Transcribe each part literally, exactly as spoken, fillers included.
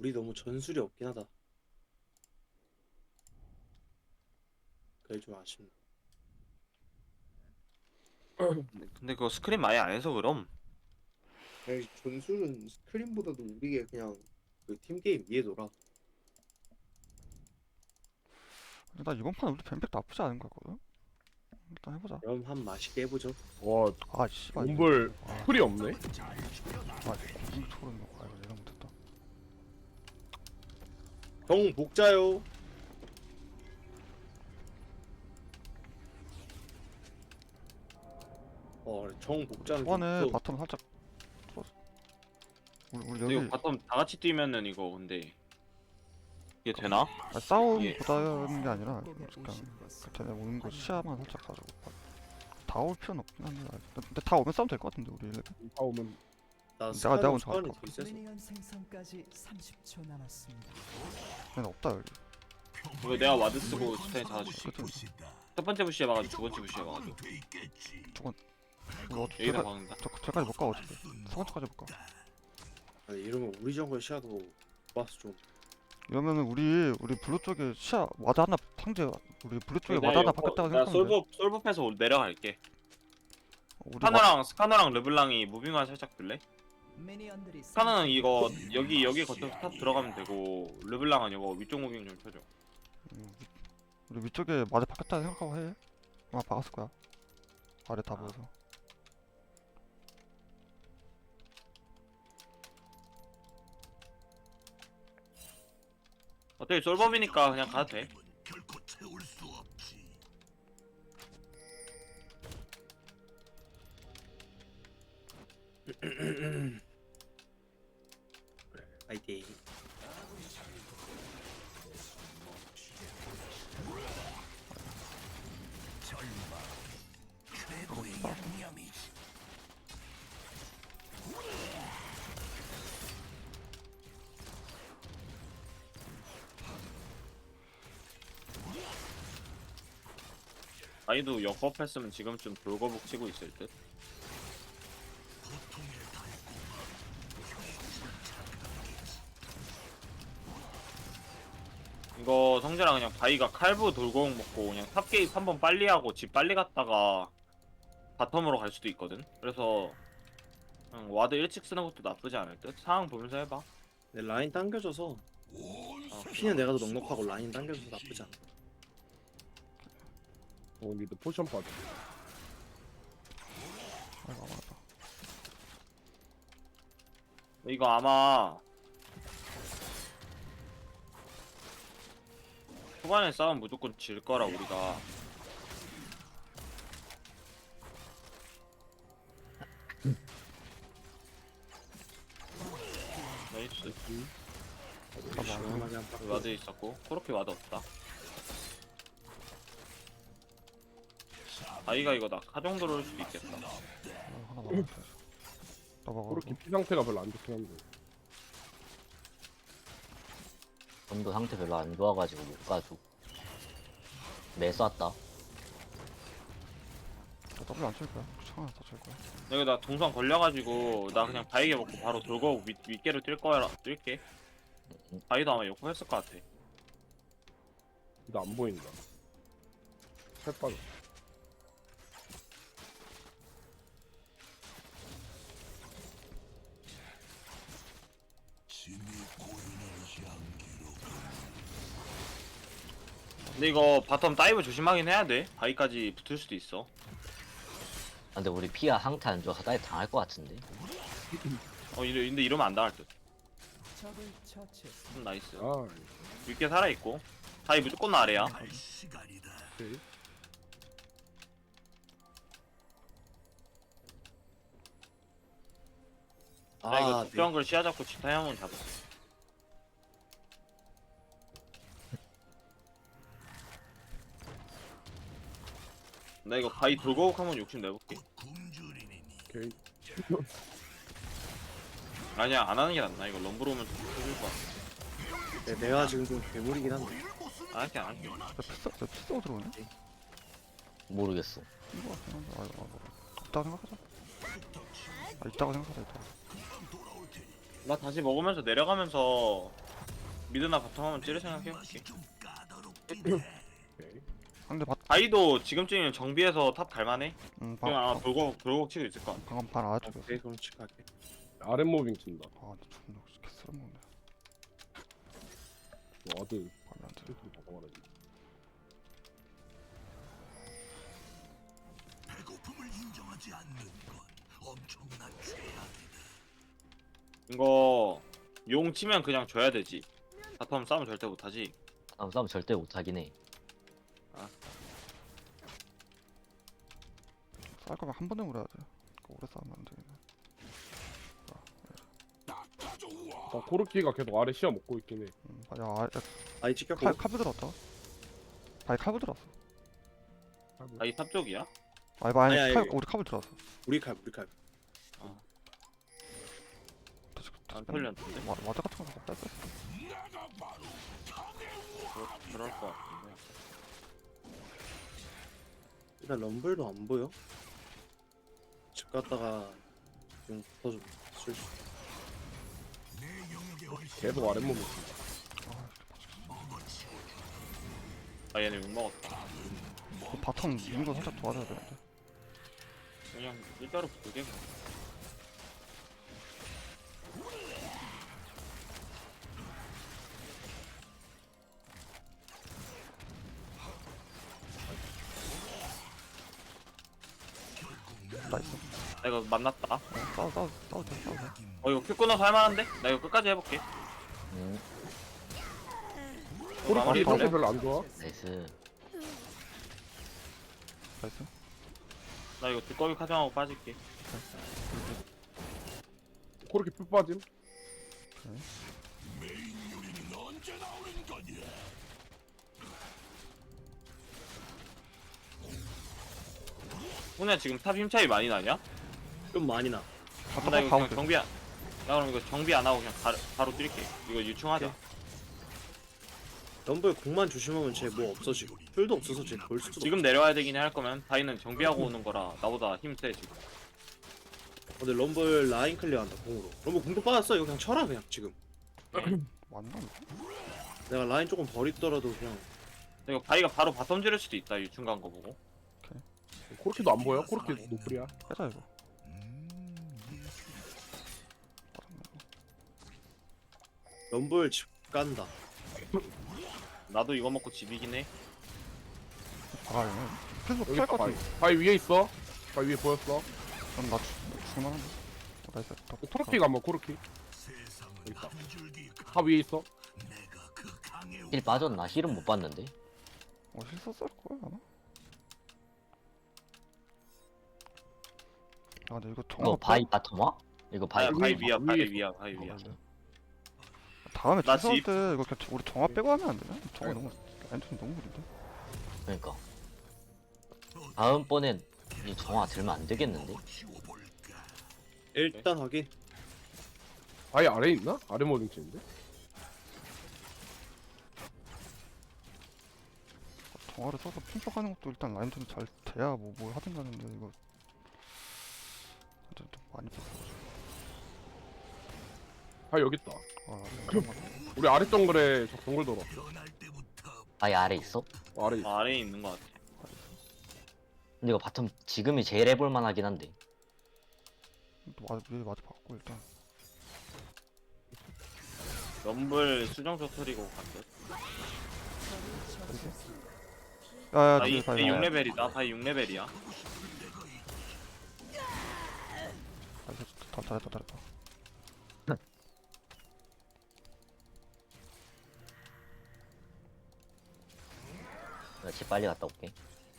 우리 너무 전술이 없긴 하다. 그게 좀 아쉽네. 근데, 근데 그거 스크린 많이 안 해서 그럼. 아니, 전술은 스크린보다도 우리게 그냥 그 팀 게임 위에 돌아. 나 이번 판 우리 뱀팩 나쁘지 않은 것 같거든? 일단 해보자. 그럼 한 맛있게 해보죠. 와, 아, 씨발. 이거- 몬벌 아, 풀이 없네. 아, 공중 초월은 거. 아, 이거 내가 못했다. 형 복자요. 어, 정 복자는 좀 초반에 무서워. 바텀 살짝 뚫었어. 우리, 우리 근데 여기 이거 바텀 다 같이 뛰면은 이거 근데 이게 되나? 아, 싸움 예. 보다는 게 아니라 그냥 걔네 오는 거 시야만 살짝 봐주고 다 올 필요는 없긴 한데 아직. 근데 다 오면 싸움 될 것 같은데 우리 다 오면 나 내가- 스카노 내가 먼저 스카노 갈까? 되게 세서. 미니언 생성까지 삼십 초 남았습니다. 걔네 없다 여기. 이거 내가 와드 쓰고 스타일 잡아줄게. 그치? 첫 번째 부시에 막아줘, 두 번째 부시에 막아줘. 이거 어떻게 여기다 저까- 막는다. 저- 저까지 못 가 어차피. 세 번째까지 못 가. 아니, 이러면 우리 정글 시야도 좋아서 좀. 이러면은 우리 우리 블루 쪽에 시야 와드 하나 상대 우리 블루 쪽에 내가 와드 하나 이거 바뀌었다고 내가 생각하면 돼. 솔브 솔브해서 내려갈게. 우리 와, 스카너랑 스카너랑 르블랑이 무빙만 살짝 들래? 미니언들이 스카너는 이거 여기 여기 거쳐 스탑 들어가면 되고 르블랑은 이거 위쪽 무빙 좀 쳐줘. 음, 위- 우리 위쪽에 와드 바뀌었다고 생각하고 해. 아마 박았을 거야. 아래 다 아. 보여서. 어차피 솔범이니까 그냥 가도 돼. 파이팅. 아이도 역업했으면 지금쯤 돌거북 치고 있을 듯. 이거 성재랑 그냥 바이가 칼부 돌거북 먹고 그냥 탑 게임 한번 빨리 하고 집 빨리 갔다가 바텀으로 갈 수도 있거든. 그래서 그냥 와드 일찍 쓰는 것도 나쁘지 않을 듯. 상황 보면서 해봐. 내 라인 당겨줘서 어, 피는 내가 더 넉넉하고 라인 당겨줘서 나쁘지 않아. 어, 미드 포션 빠져. 아이고 맞다. 이거 아마 초반에 싸움 무조건 질 거라 우리가. 나이스. 시원하게 한 판. 와드 있었고 그렇게 와드 없다. 아이가 이거 낙하 정도로 올 수도 있겠다. 아, 하나 먹었어. 나 먹어. 그렇게 피 상태가 별로 안 좋긴 한데. 전도 상태 별로 안 좋아가지고 못 가지고 매 쐈다. 나 더블 안칠 거야. 창 하나 더칠 거야. 여기 나 동선 걸려가지고 나 그냥 바이게 먹고 바로 돌고 윗, 윗개로 뛸 거야. 뛸게. 바이도 아마 욕구 했을 것 같아. 근데 안 보인다. 살 빠져. 근데 이거 바텀 다이브 조심하긴 해야 돼. 바이까지 붙을 수도 있어. 아, 근데 우리 피아 상태 안 좋아서 다이 당할 것 같은데. 어 이러, 근데 이러면 안 당할 듯. 적을 처치했습니다. 음, 나이스. 아, 윗개 살아있고 바이 무조건 아래야. 오케이. 나 이거 아, 특별한 걸 시야 잡고 지타 형은 잡아. 나 이거 바이 돌고욱 한번 욕심 내볼게. 오케이. 아니야 안 하는 게 낫나. 이거 럼블 오면 좀 터질 것 같아. 네, 내가 지금 좀 괴물이긴 한데. 안 할게 안 할게. 나 피싸 나 피싸고 들어오네. 모르겠어. 이거 같긴 한데. 아, 아, 뭐. 없다고 생각하자. 아, 있다고 생각하자. 있다고. 나 다시 먹으면서 내려가면서 미드나 바텀 한번 찌를 생각해볼게. 오케이. 상대 밭 바이도 지금쯤이면 정비해서 탑 갈만해. 음, 그냥 방, 아마 돌고 돌고 치고 있을 거야. 방금 반 아래쪽이었어. 오케이 그럼 칠할게. 아랫 무빙 친다. 아 근데 존나 개 쓸모없네. 와드 밤에 안 돼. 이렇게 바꿔말하지. 이거 용 치면 그냥 줘야 되지. 바텀 싸움 절대 못하지. 다음 싸움 절대 못하긴 해. 쌀 거면 한 번에 물어야 돼. 그거 오래 싸우면 안 되겠네. 자, 코르키가 계속 아래 시야 먹고 있긴 해. 음, 아, 야, 아, 야 아이 찍혔고. 칼, 칼부 들었다. 아니 칼부 들었어. 바이 탑 쪽이야? 아니 뭐 아니 아니, 칼 아니. 우리 칼부 들었어. 우리 칼 우리 칼. 다시 안 털렸는데? 와 와드 같은 거 빼 뺐어. 그럴, 그럴 거 같은데. 일단 럼블도 안 보여. 집 갔다가 좀 붙어줘. 쓸 수. 계속 아랫 무빙 친다. 아 얘네 욕 먹었다. 그 바텀 미는 거 살짝 도와줘야 되는데. 그냥 일자로 붙게. 나이스. 나 이거 만났다. 어, 싸워 싸워 싸워 돼 싸워 돼. 어 이거 큐 끊어서 할만한데? 나 이거 끝까지 해볼게. 음, 이거 마무리 코르키 해볼래? 상태 별로 안 좋아. 나이스. 나이스. 나 이거 두꺼비 카정하고 빠질게. 코르키 풀 빠짐. 훈야 지금 탑 힘 차이 많이 나냐? 좀 많이 나. 바텀 나 이거 그냥 가운데. 정비 안, 나 그럼 이거 정비 안 하고 그냥 바로, 바로 뛸게. 이거 유충하자. 럼블 공만 조심하면 쟤 뭐 없어 지금. 풀도 없어서 쟤 볼 수도. 지금 내려와야 되긴 할 거면 바이는 정비하고 오는 거라 나보다 힘세 지금. 없어. 근데 럼블 라인 클리어한다 공으로. 럼블 공도 빠졌어. 이거 그냥 쳐라 그냥 지금. 맞나 이거? 내가 라인 조금 버리더라도 그냥. 이거 바이가 바로 바텀 지를 수도 있다. 유충 간 거 보고. 코르키도 안 보여. 코르키 노플이야. 빼자 이거. 럼블 집 간다. 나도 이거 먹고 집이긴 해. 아 이거 계속 여기 피할 것 바위. 같은데. 바위 위에 있어. 바위 위에 보였어. 그럼 나 죽- 죽을만한데. 어, 나이스. 더 코르키가 한번 코르키. 여기 있다. 다 위에 있어. 힐 빠졌나? 힐은 못 봤는데. 어 실수 쓸 거야 아마. 아 근데 이거 정화 이거 바이 바텀 와? 이거 바이 바이, 바위 바이 위에 위야, 있어, 바이 위에 위야, 바이 위야. 다음에 나 주소할 집- 때 이거 그냥 우리 정화 빼고 하면 안 되나? 정화 너무 엔톤 너무 구린데. 그러니까. 다음번엔 이 정화 들면 안 되겠는데? 일단 확인. 바위 아래에 있나? 아래 모빙 치는데. 정화를 써서 핑크하는 것도 일단 라인톤이 잘 돼야 뭐 뭘 하든 가는데 이거 좀, 좀 많이 뺐어. 바위 여기 있다. 아 이런 거 같아. 우리 아래 정글에 저 정글 돌아. 바이 아래 있어? 어, 아래 있어. 아, 아래에 있는 거 같아. 근데 이거 바텀 지금이 제일 해볼 만하긴 한데. 또 와, 위에 와드 받고 일단. 럼블 수정 터트리고 간대. 야야 바이, 뒤에 바이 봐요. 육 레벨이다. 바이 육 레벨이야. 아 이거 다 잘했다 잘했다. 나 집 빨리 갔다 올게.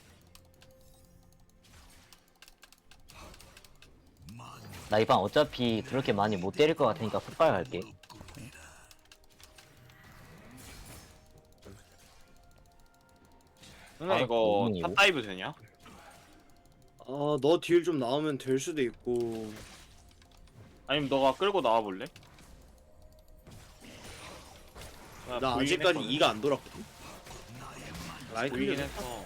나 이번 어차피 그렇게 많이 못 때릴 것 같으니까 풋발 갈게. 누나 아, 이거 오븐이고. 탑 다이브 되냐? 아너 딜 좀 나오면 될 수도 있고. 아니면 너가 끌고 나와 볼래? 나 아직까지 이가 안 돌았거든. 라인 보이긴 클리어. 했어.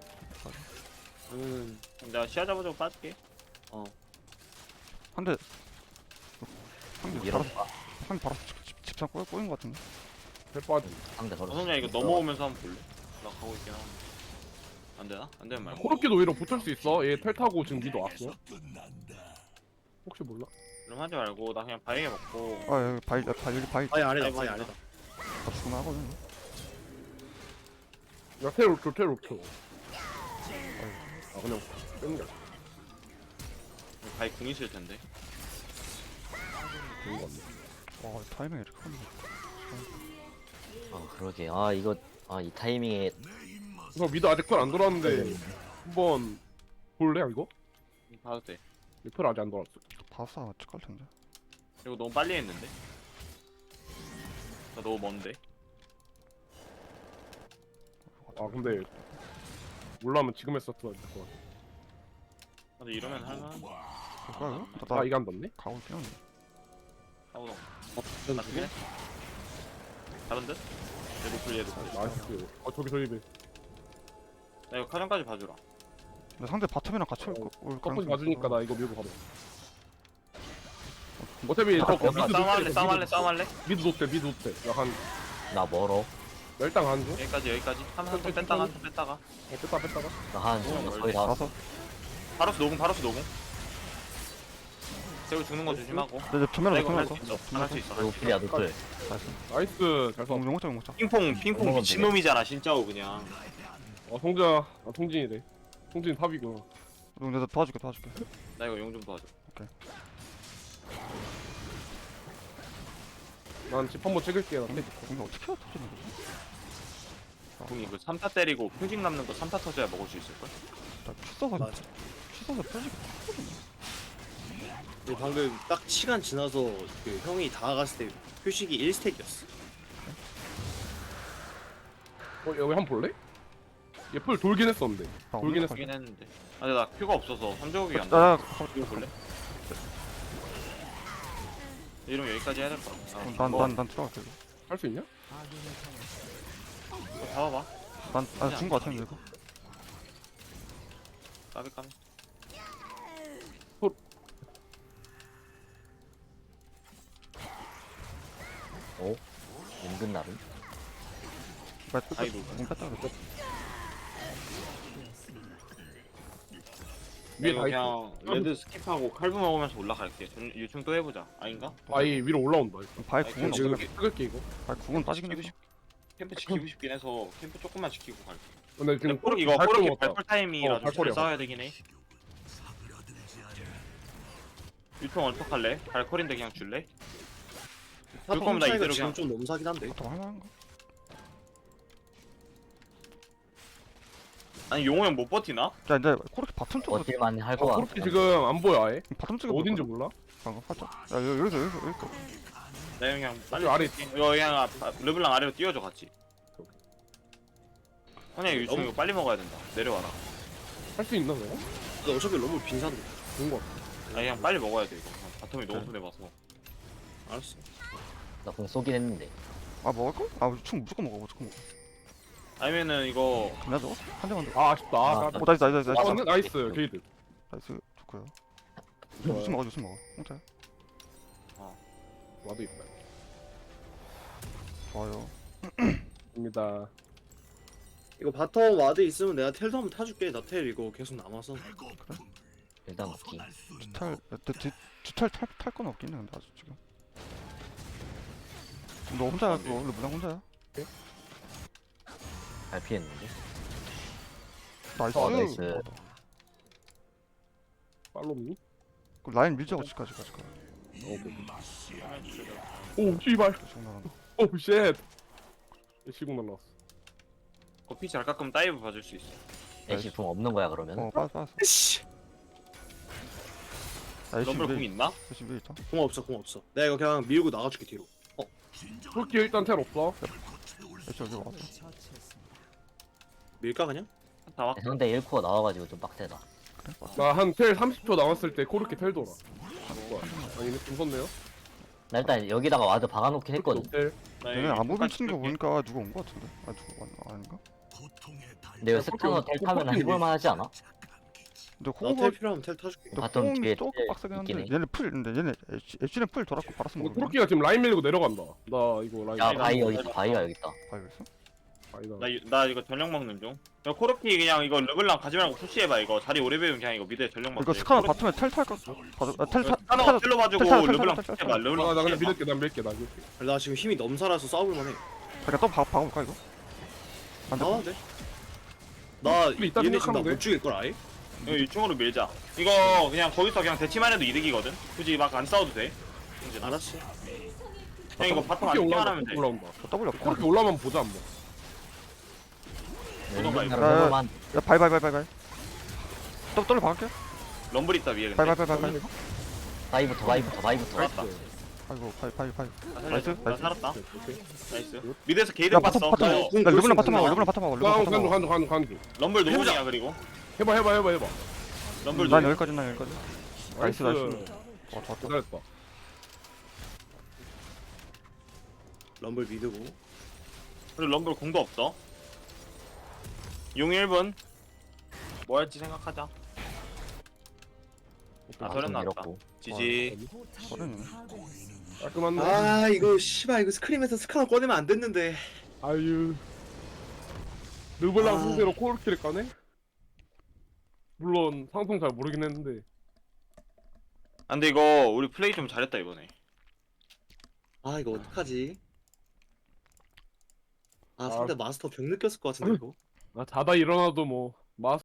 그러면은 그럼 내가 시야 잡아주고 빠질게. 어 한대 한대 이런 바로 한대 바로 집- 집- 집상 꼬인 꼬인 것 같은데. 텔 빠지. 상대 걸었어. 다솜이야 이거 넘어오면서 한번 볼래? 나 가고 있긴 한데 안 되나? 안 되면 말고 코르키도 오히려 붙을 수 있어. 얘 텔 타고 지금 미도 왔어. 혹시 몰라? 그럼 하지 말고 나 그냥 바위게 먹고 아 여기 바위 바위 여기 바위 바위 아니다 아이고, 바위 아니다. 아니다. 다 죽으면 하거든. 야, 텔 옥초, 텔 옥초. 아, 그냥 빼는 게 바위 궁 있을 텐데 좋은 거 같네. 와 타이밍이 이렇게 하네. 아 그러게. 아 이거 아 이 타이밍에 그래서 미도 아직 털 안 돌았는데 한번 볼래 이거? 봐도 돼 털 아직 안 돌았어. 바사 찍을 텐데. 이거 너무 빨리 했는데 나 너무 먼데 아 근데 몰라면 지금 했었어야 될 것 같아. 근데 이러면 할만 볼까 이거? 아 나 이게 안 닿네? 가고 있긴 한데. 하고 어, 전 맞긴 해 다른 듯? 얘 노플 얘 노플 나이스. 어 저기 저기 배. 나 이거 카정까지 봐주라 근데 상대 바텀이랑 같이 올, 거- 올 꺾어지 가능성이 봐주니까 있어서. 나 이거 밀고 가봐. 어차피 저 미드 아, 싸움할래 노텔, 싸움할래 미드 싸움할래 미드 노텔 미드 노텔. 약한 나 멀어. 멸당 한 줄? 여기까지 여기까지 한번 뺐다가 한번 뺐다가 어, 뺐다 뺐다가. 나한 거의 다 왔어. 가서 바로스 노공 바로스 노공 세우 죽는 거 조심하고 내 전면으로 나 이거 전면으로 할 수 있어 할 수 있어 할수 있어 노플이야 노플. 나이스. 잘 써. 용 용자 용자. 핑퐁 핑퐁 먹으면 미친놈이잖아 진짜로 그냥 어 성자. 아 통진이래. 통진 탑이구나. 용 내가 도와줄게 도와줄게. 나 이거 용 좀 도와줘 난 집 한번 찍을게. 나 텔. 공이 어떻게 터지는 거지? 궁이 그 삼 타 때리고 표식 남는 거 삼 타 터져야 먹을 수 있을걸? 나 피써서 맞아. 피써서 펴지게 터거든. 근데 방금 딱 시간 지나서 그 형이 다가갔을 때 표식이 일 스택이었어. 어 여기 한번 볼래? 얘 풀 돌긴 했었는데. 나 돌긴 없는 하긴 했는데 아 근데 나 큐가 없어서 삼 조각이 안 나 나. 나- 이거 볼래? 이러면 여기까지 해야 될 것 같아 아, 난 뭐, 난 난 들어갈게. 이거. 할 수 있냐? 이거 잡아봐 난아준거 같은데 이거. 까비 까비 오. 은근 나름. 뺐 아이고. 공 뺐다 그랬어. 위에 이거 다 그냥 레드 스킵하고 칼부 먹으면서 올라갈게 전- 유충 또 해보자 아닌가? 아이 위로 올라온다. 바위 아니, 궁은 지금 없. 지금 찍을게 이거. 바위 궁은 빠지긴 지키고 했어. 싶 캠프 지키고 싶긴 해서 캠프 조금만 지키고 갈게 근데 근데 지금 코르 이거 발 코르키 끊었다. 발풀 타임이라 어, 좀 발코리야, 잘 싸워야 되긴 해 유충 어떡할래? 발콜인데 그냥 줄래? 그럴 거면 나 차이가 이대로 지금 그냥 좀 너무 사긴 한데. 더 할만한가? 아니 용호 형 못 버티나? 야 이제 코르키 바텀 쪽으로 버틸만 할 어, 것 같아. 코르키 지금 안 보여 아예. 바텀 쪽에 어딘지 몰라? 방금 살짝. 야 여기 여기서 여기서 여기서. 나 그냥 빨리 여기 아래 뛸게. 이거 그냥 아, 아, 르블랑 아래로 뛰어줘 같이 아니 유충 너무- 이거 빨리 먹어야 된다 내려와라 할 수 있나 내가? 근데 어차피 너무 빈산데. 좋은 거 같아. 아니 그냥 빨리 먹어야 돼 이거 바텀이 너무 손해봐서 알았어. 나공 쏘긴 했는데. 아 먹을 거? 아충 무조건 먹어 무조건 먹어. 아니면은 이거 그냥 저거 한 대만 더. 아 아쉽다. 아, 아, 오 나이스 나이스 나이스. 아, 맞네? 나이스 게이드. 나이스 좋고요. 무슨 먹어 무슨 먹어. 홍차야. 와도 있다. 좋아요. 입니다. 이거 바텀 와드 있으면 내가 텔도 한번 타줄게. 나 텔 이거 계속 남아서. 일단 먹기. 주탈 뒤 주탈 탈탈 건 없긴 해 근데 아직 지금. 너 혼자야 그거 원래 무당 혼자야? 잘 피했는데. 나이스. 어, 나이스. 팔로미. 그 라인 밀자고 지까지 가지 가. 오 씨발. 계속 나간다. 오 쉣. 시공 날라왔어. 커피 잘 깎으면 다이브 봐줄 수 있어 애쉬 붕 없는 거야 그러면? 어 빠졌어 빠졌어. 씨. 아 애쉬 럼블 궁 위에 있나? 애쉬 위에 있다. 공 없어 공 없어. 내가 이거 그냥 밀고 나가줄게 뒤로. 코르키 일단 텔 없어. 애쉬 여기 왔어. 처치했습니다. 밀까 그냥? 다 왔. 상대 일 코어 나와가지고 좀 빡세다. 그래 왔어. 나 한 텔 삼십 초 남았을 때 코르키 텔 돌아. 아니 좀 섰네요. 나 일단 여기다가 와드 박아놓긴 했거든. 텔. 나 얘네 여기 아무분 끝까지 치는 거 줄게. 보니까 누가 온 거 같은데? 아 누가 왔 아닌가? 근데 왜 스타너 텔 타면 해볼만 하지 않아? 근데 나텔 호흡 필요하면 텔 타줄게. 근데 바텀 호흡이 뒤에 조금 텔 빡세긴 한데 있긴 해. 얘네 풀 근데 얘네 엣지는 풀 돌았고 바라스 이거 모르겠네. 코르키가 지금 라인 밀리고 내려간다. 나 이거 라인. 야 이거 바위 한번 여기 있다. 해봐. 바위가 여기 있다. 아 여기서? 아니다. 나, 이- 나 이거 전력 먹는 중. 야, 코르키 그냥 이거 르블랑 가지 말고 푸시해봐. 이거 자리 오래 배우면 그냥 이거 미드에 전력 먹. 이거 스카너 바텀에 텔 탈까? 봐줘. 아, 텔 타. 하나 텔 텔로 봐주고 텔 타, 텔 타, 르블랑 텔 타, 푸시해봐. 아, 르블랑 나 그냥 푸시해봐. 밀을게. 난 밀게. 나 밀게. 나 지금 힘이 넘살아서 싸울만해. 그러니까 또 박 박아볼까 이거? 안 돼. 나와도 돼. 나 우리 이따 얘네 지금 생각하면 돼. 나못 죽일 걸 아예? 이거 이쪽으로 밀자. 이거 그냥 거기서 그냥 대치만 해도 이득이거든. 굳이 막 안 싸워도 돼. 이제 알았어. 그냥 이거 바텀 안 코르키 뛰만 올라온다. 하면 돼. 코르키 올라온다. 저 더블 없고. 코르키 올라오면 보자 한번. 보던가 이거. 르블만 야 바이 바이 바이 바이 바이. 또 더블 박을게. 럼블 있다 위에 바이 근데. 바이 바이 바이 바이. 바위부터 바위부터 바위부터. 살았다. 아이고 바이 바이 바이. 나 나이스, 살렸어. 나 나이스. 살았다. 오케이. 나이스. 미드에서 게이드 야 봤어. 바텀 바텀. 어, 궁 야 르블랑 볼 바텀 수 하고 있나? 르블랑 바텀 하고 나 르블랑 바텀 간주 하고. 간주 간주 간주. 럼블 노공이야 그리고. 해봐 해봐 해봐 해봐. 럼블 난 노공. 여기까지 난 여기까지. 나이스 나이스. 와 좋았다. 기다렸다. 럼블 미드고. 그리고 럼블 공도 없어. 용 일 분. 뭐 할지 생각하자. 아 저런 나왔다. 밀었고. 지지. 저는 깔끔한데. 아 이거 씨발 이거 스크림에서 스카너 꺼내면 안 됐는데. 아유. 르블랑 아. 상대로 코르키를 까네? 물론 상성 잘 모르긴 했는데. 아, 근데 이거 우리 플레이 좀 잘했다 이번에. 아 이거 어떡하지? 아 아. 상대 마스터 병 느꼈을 것 같은데 이거. 나 자다 일어나도 뭐